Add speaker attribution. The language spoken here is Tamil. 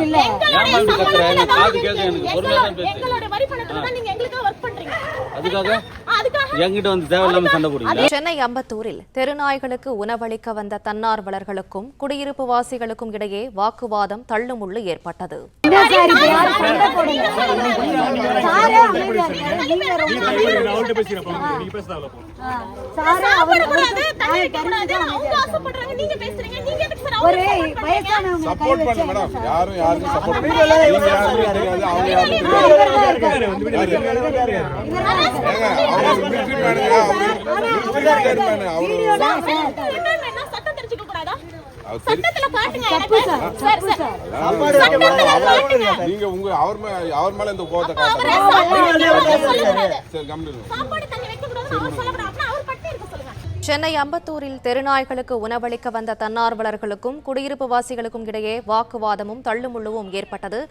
Speaker 1: சென்னை அம்பத்தூரில் தெருநாய்களுக்கு உணவளிக்க வந்த தன்னார்வலர்களுக்கும் குடியிருப்பு வாசிகளுக்கும் இடையே வாக்குவாதம் தள்ளுமுள்ளு ஏற்பட்டது. சென்னை அம்பத்தூரில் தெருநாய்களுக்கு உணவளிக்க வந்த தன்னார்வலர்களுக்கும் குடியிருப்பு வாசிகளுக்கும் இடையே வாக்குவாதமும் தள்ளுமுள்ளுவும் ஏற்பட்டது.